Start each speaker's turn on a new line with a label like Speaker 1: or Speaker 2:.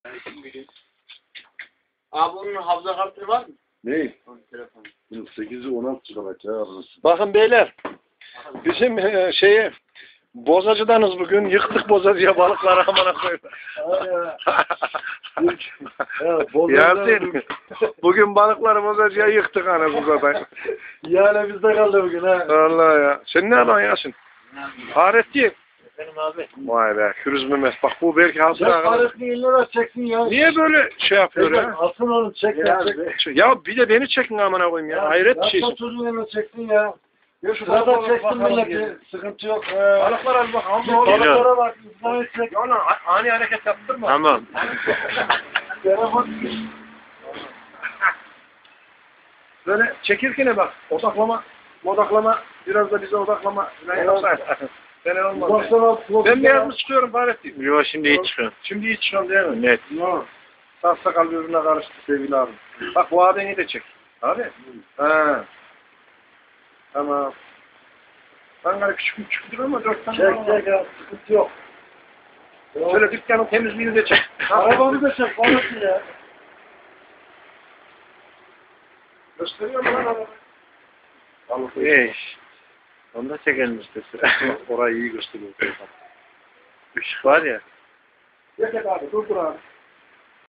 Speaker 1: Abi onun hafıza kartı var mı?
Speaker 2: Ne?
Speaker 1: Onun telefonu.
Speaker 2: 8'i 16 GB ya.
Speaker 3: Bakın beyler. Bizim şeyi bozacıdanız bugün. Yıktık bozacıya balıkları amına koyayım. Yasin. Bugün balıkları bozacıya yıktık anasını satayım.
Speaker 2: Yani bizde kaldı bugün ha.
Speaker 3: Vallahi ya. Sen ne yapan Yasin? Fahrettin.
Speaker 1: Benim abi.
Speaker 3: Vay be. Kürüz Mehmet. Bak bu belki hasır
Speaker 2: Ya
Speaker 3: arkadaş.
Speaker 2: parasını 50 lira çeksin ya.
Speaker 3: Niye böyle şey yapıyor ya?
Speaker 2: Alsın onu çek ya.
Speaker 3: Ya bir de beni çekin amına koyayım ya. Hayret bir şey.
Speaker 2: Ya çocuğun yanına çeksin ya. Ya şu kadar çeksin milleti. Sıkıntı yok.
Speaker 3: Balıklara bir bak.
Speaker 2: Balıklara bak. İsmail çek.
Speaker 3: Ya lan ani hareket yaptırma.
Speaker 1: Tamam.
Speaker 2: Telefon.
Speaker 3: Böyle çekirkene bak. Odaklama. Biraz da bize odaklama. Sen olmaz. Ben beyaz mı çıkıyorum Fahrettin?
Speaker 1: Yok şimdi hiç çıkıyor.
Speaker 3: Şimdi hiç çıkıyorum değil mi?
Speaker 1: Net.
Speaker 3: Yok. Sağ sakal birbirine karıştı sevgili abi. Bak bu adeni de çek. Abi. Ha. Tamam. Ankara küçüktür ama 4 tane
Speaker 2: Çek ya. Sıkıntı yok.
Speaker 3: Şöyle dükkanın temizliğini de çek.
Speaker 2: Arabamı da çek. Parası ya.
Speaker 3: Gösteriyor mu lan arabayı?
Speaker 1: Eş. Onu da çekelim işte.
Speaker 3: Orayı iyi gösteriyor.
Speaker 1: Işık var ya.
Speaker 3: Yok abi dur abi.